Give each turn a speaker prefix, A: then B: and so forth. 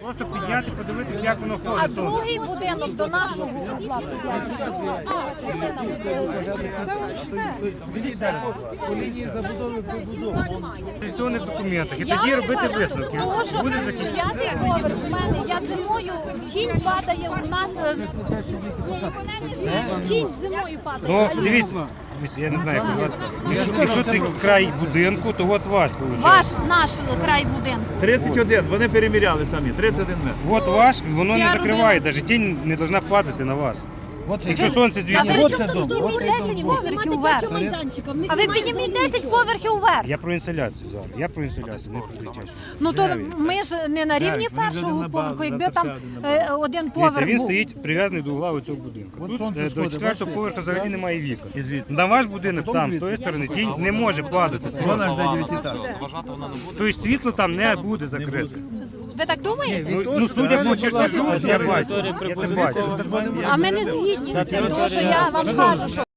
A: Просто підняти, подивитися, як воно
B: А
A: ходить.
B: другий будинок до нашого угла.
C: По лінії забудови прибудови.
A: В реєстраційних документах. І тоді робити висновки.
B: Того, що
A: Буде
B: п'ятий поверх у мене, я зимою, тінь падає у нас, тінь зимою падає.
A: Ну, дивіться, я не знаю, як назвати. Якщо це край будинку, то от ваш виходить.
B: Ваш, наш край будинку.
C: 31, вони переміряли самі, 31 метр.
A: От ваш, воно не закриває, навіть тінь не повинна падати на вас. Якщо сонце
B: А
A: звідси.
B: ви чому тут 10 поверхів вверх? А ви підніміть 10 поверхів вверх.
A: Я про інсоляцію зараз. Я про інсоляцію, не про дитячу.
B: Ну то ми ж не на рівні першого поверху, якби там один
A: Дивіться,
B: поверх
A: він
B: був.
A: стоїть прив'язаний до угла цього будинку. Тут до 4-го поверху взагалі немає вікон.
C: І звідси.
A: На ваш будинок там, з тої сторони, тінь не може падати. Це
C: Вона ж де 9-етаж.
A: Тобто світло там не буде закрите.
B: Ви так думаєте?
A: Ну, судя по чертежу, я бачу. Я це бачу.
B: А ми не згідні з цим, тому що я вам кажу, що